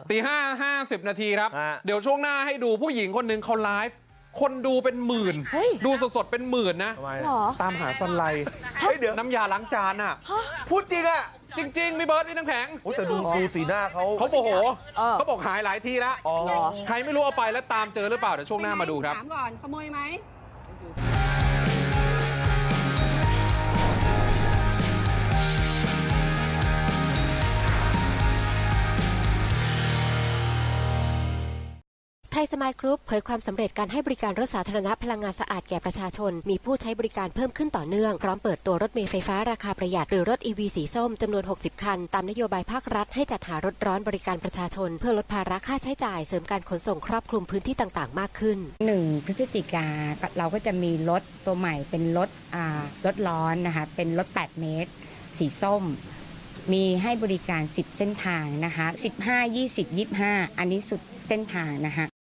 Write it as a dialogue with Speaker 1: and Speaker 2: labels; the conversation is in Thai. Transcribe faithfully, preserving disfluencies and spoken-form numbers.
Speaker 1: ตีห้าห้าสิบนาทีครับ
Speaker 2: ฮะ
Speaker 1: เดี๋ยวช่วงหน้าให้ดูผู้หญิงคนหนึ่งเขาไลฟ์คนดูเป็นหมื่น
Speaker 3: เฮ้ย
Speaker 1: ดูสดๆเป็นหมื่นนะ
Speaker 2: ทำไม
Speaker 3: หรอ
Speaker 1: ตามหาสไลด์
Speaker 2: เฮ้ยเดี๋ยว
Speaker 1: น้ำยาล้างจานอ่ะ
Speaker 2: พูดจริงอ่ะ
Speaker 1: จริงๆมีเบิร์ดนี่น้ำแข็ง
Speaker 2: โอ้แต่ดูดูสีหน้าเขา
Speaker 1: เขาโมโห
Speaker 3: เออ
Speaker 1: เขาบอกหายหลายทีแล้ว
Speaker 2: อ๋อ
Speaker 3: เหรอ
Speaker 1: ใครไม่รู้เอาไปแล้วตามเจอหรือเปล่าเดี๋ยวช่วงหน้ามาดูครับ
Speaker 4: ถามก่อนขโมยไหม
Speaker 5: ไทยสมายกรุ๊ปเผยความสำเร็จการให้บริการรถสาธารณะพลังงานสะอาดแก่ประชาชนมีผู้ใช้บริการเพิ่มขึ้นต่อเนื่องพร้อมเปิดตัวรถเมล์ไฟฟ้าราคาประหยัดหรือรถ อี วี สีส้มจำนวนหกสิบคันตามนโยบายภาครัฐให้จัดหารถร้อนบริการประชาชนเพื่อลดภาระค่าใช้จ่ายเสริมการขนส่งครอบคลุมพื้นที่ต่างๆมากขึ้น
Speaker 6: หนึ่งพฤศจิกาเราก็จะมีรถตัวใหม่เป็นรถอ่ารถร้อนนะคะเป็นรถแปดเมตร สีส้ม มีให้บริการสิบเส้นทางนะคะสิบห้า ยี่สิบ ยี่สิบห้าอันนี้สุดเส้นทางนะคะ